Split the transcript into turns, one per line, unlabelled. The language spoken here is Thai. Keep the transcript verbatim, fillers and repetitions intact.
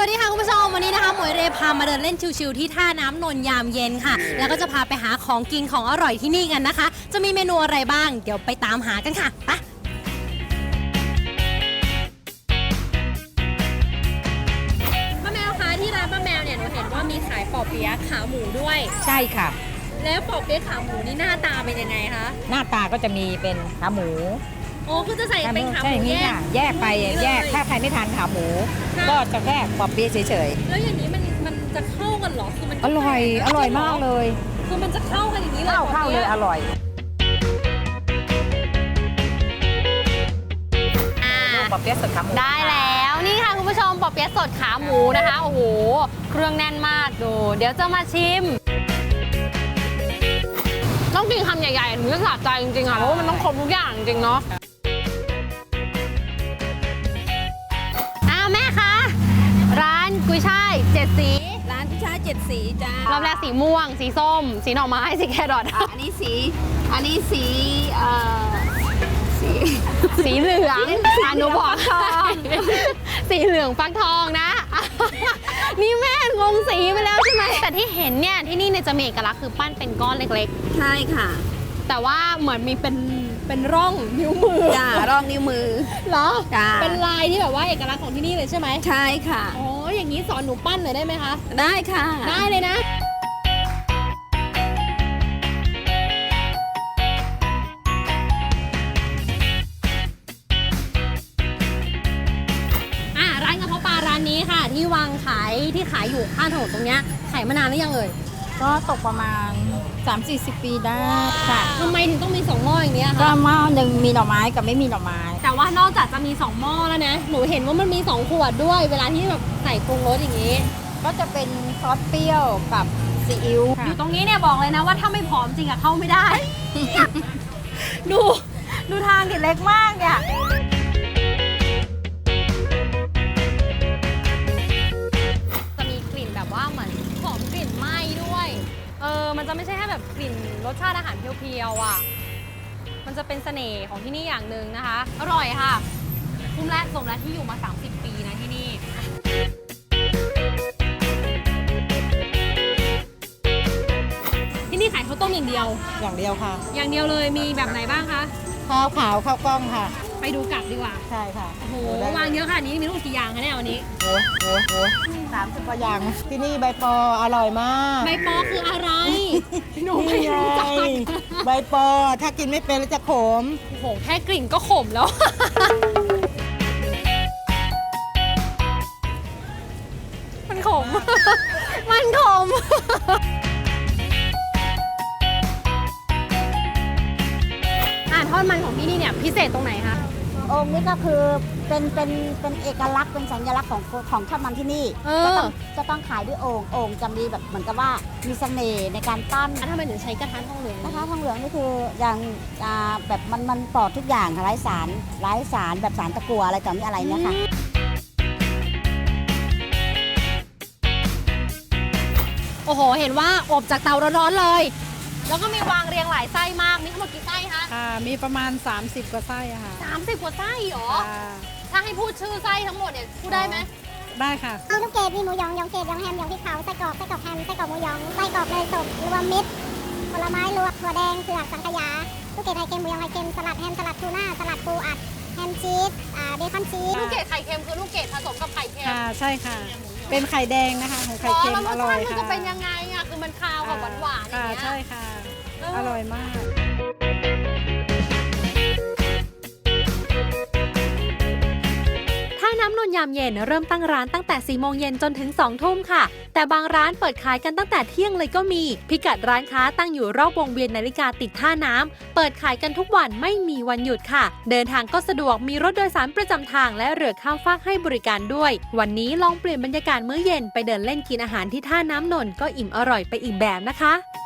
วัสดีค่ะคุณผู้ชมวันนี้นะคะหมวยเรพามาเดินเล่นชิวๆที่ท่าน้ำนนยามเย็นค่ะแล้วก็จะพาไปหาของกินของอร่อยที่นี่กันนะคะจะมีเมนูอะไรบ้างเดี๋ยวไปตามหากันค่ะไปป้าแมวคะที่ร้านป้าแมวเนี่ยหนูเห็นว่ามีขายปอเปี๊ยะขาหมูด้วย
ใช่ค่ะ
แล้วปอเปี๊ยะขาหมูนี่หน้าตาเป็นยังไงคะ
หน้าตาก็จะมีเป็นขาหมู
โอ้คือจะใส่เป็นขาหมูแยก
แยกไปแยกถ้าใครไม่ทานขาหมูก็จะแค่ปอเปี๊ยะเฉย
ๆแล้วอย่างนี้มันมันจะเข้ากันหรอคือมัน
อร่อยอร่อยมากเลย
คือมันจะเข้ากันอย่างนี้เลย
เข้าเข้าเลยอร่อยปอเปี๊ยะสดขาหมู
ได้แล้วนี่ค่ะคุณผู้ชมปอเปี๊ยะสดขาหมูนะคะโอ้โหเครื่องแน่นมากดูเดี๋ยวจะมาชิมต้องกินคำใหญ่ๆถึงจะสะใจจริงๆค่ะเพราะว่ามันต้องครบทุกอย่างจริงเนาะอ้าวแม่คะร้านกุยช่ายเจ็ดสี
ร้านกุยช่ายเจ็ดสีจ้าร
อบแรกสีม่วงสีส้มสีหน่อไม้สีแครอท
อันนี้สีอันนี้สีเอ่อสี
สีเหลืองอนุบอกทองสีเหลืองฟักทองนะนี่แม่งงสีไปแล้วใช่ไหมแต่ที่เห็นเนี่ยที่นี่เนี่ยจะมีเอกลักษณ์คือปั้นเป็นก้อนเล็ก
ๆใช่ค่ะ
แต่ว่าเหมือนมีเป็นเป็นร่องนิ้วมือ
จ้าร่องนิ้วมือ
เหรอจ้าเป็นลายที่แบบว่าเอกลักษณ์ของที่นี่เลยใช่ไหม
ใช่ค่ะ
อ๋ออย่างนี้สอนหนูปั้นเลยได้ไหมคะ
ได้ค่ะ
ได้เลยนะนี้ค่ะที่วางขายที่ขายอยู่ข้างถนนตรงนี้ขายมานานหรือยังเอ่ย
ก็ตกประมาณ สามสี่สิบ ปีได้ค่ะ
ทำไมถึงต้องมีสองหม้ออย่างนี้คะ
ก็หม้อหนึ่งมีหน่อไม้กับไม่มีหน่อไม้
แต่ว่านอกจากจะมีสองหม้อแล้วนะหนูเห็นว่ามันมีสองขวดด้วยเวลาที่แบบใส่ปรุงรสอย่างนี้
ก็จะเป็นซอสเปรี้ยวกับซีอิ๊ว
อยู่ตรงนี้เนี่ยบอกเลยนะว่าถ้าไม่ผอมจริงอะเข้าไม่ได้ ดูดูทางดิเล็กมากเนี่ยว่าเหมือนหอมกลิ่นไหม้ด้วยเออมันจะไม่ใช่แค่แบบกลิ่นรสชาติอาหารเพียวๆอ่ะมันจะเป็นเสน่ห์ของที่นี่อย่างหนึ่งนะคะอร่อยค่ะคุ้มและสมและที่อยู่มาสามสิบปีนะที่นี่ที่นี่ขายข้าวต้มอย่างเดียว
อย่างเดียวค่ะ
อย่างเดียวเลยมีแบบไหนบ้างคะ
ข้าวขาวข้าวกล้องค่ะ
ไปดูกลับดีกว่า
ใช่ค่ะ
โอ้โหวางเยอะค่ะนี้มีลูกกี่อย่างคะเนี่ยวันนี้
โอ้โหโอ้สามสิบกว่าอย่างที่นี่ใบปออร่อยมาก
ใบปอคืออะไรหนูไม่รู้จัก
ใบปอถ้ากินไม่เป็นแล้วจะขม
โอ้โหแค่กลิ่นก็ขมแล้วมันขมมันขมทอดมันของที่นี่เนี่ยพิเศษตรงไหนคะ
องค์นี้ก็คือเป็นเป็นเป็นเอกลักษณ์เป็นสัญลักษณ์ของของทอดมันที่นี่จะต้องจะต้องขายด้วยโอ่งโอ่งจะมีแบบเหมือนกับว่ามีเสน่ห์ในการปั้น
ทำไมถึงใช้กระทะทองเหลือง
กระทะทองเหลืองนี่คืออย่างแบบมันมันปลอดทุกอย่างไร้สารไร้สารแบบสารตะกั่วอะไรต่อมีอะไรเนี่ยค่ะ
โอ้โหเห็นว่าอบจากเตาร้อนๆเลยแล้วก็มีวางเรียงหลายไส้มากมีทั้งหมดกี่ไส้คะ
ค่ะมีประมาณสามสิบกว่าไส้อะค่ะ
สามสิบกว่าไส้เหรอถ้าให้พูดชื่อไส้ทั้งหมดเนี่ยพูดได้ไหม
ได้ค่ะ
มีลูกเกดมีหมูยองยองเกดยองแฮมยองพริกเผาไส้กรอกไส้กรอกแฮมไส้กรอกหมูยองไส้กรอกเนยสดรวมมิตรผลไม้รวมถั่วแดงเผือกสังขยาลูกเกดไข่เค็มหมูยองไข่เค็มสลัดแฮมสลัดทูน่าสลัดปูอัดแฮมชีสเบคอนชีส
ลูกเกดไข่เค็มคือลูกเกดผสมกับไข่เค็ม
ค่ะใช่ค่ะเป็นไข่แดงนะคะของไข่เค็มอร่อยค่ะ
มันจะเป็นยังไงอ่ะคือมันคาวกับหวานๆอย่างเงี้ย
ใช่ค่ะอร่อยมาก
ท่าน้ำนนยามเย็นเริ่มตั้งร้านตั้งแต่สี่โมงเย็นจนถึงสองทุ่มค่ะแต่บางร้านเปิดขายกันตั้งแต่เที่ยงเลยก็มีพิกัดร้านค้าตั้งอยู่รอบวงเวียนนาฬิกาติดท่าน้ำเปิดขายกันทุกวันไม่มีวันหยุดค่ะเดินทางก็สะดวกมีรถโดยสารประจำทางและเรือข้ามฟากให้บริการด้วยวันนี้ลองเปลี่ยนบรรยากาศมื้อเย็นไปเดินเล่นกินอาหารที่ท่าน้ำนนก็อิ่มอร่อยไปอีกแบบนะคะ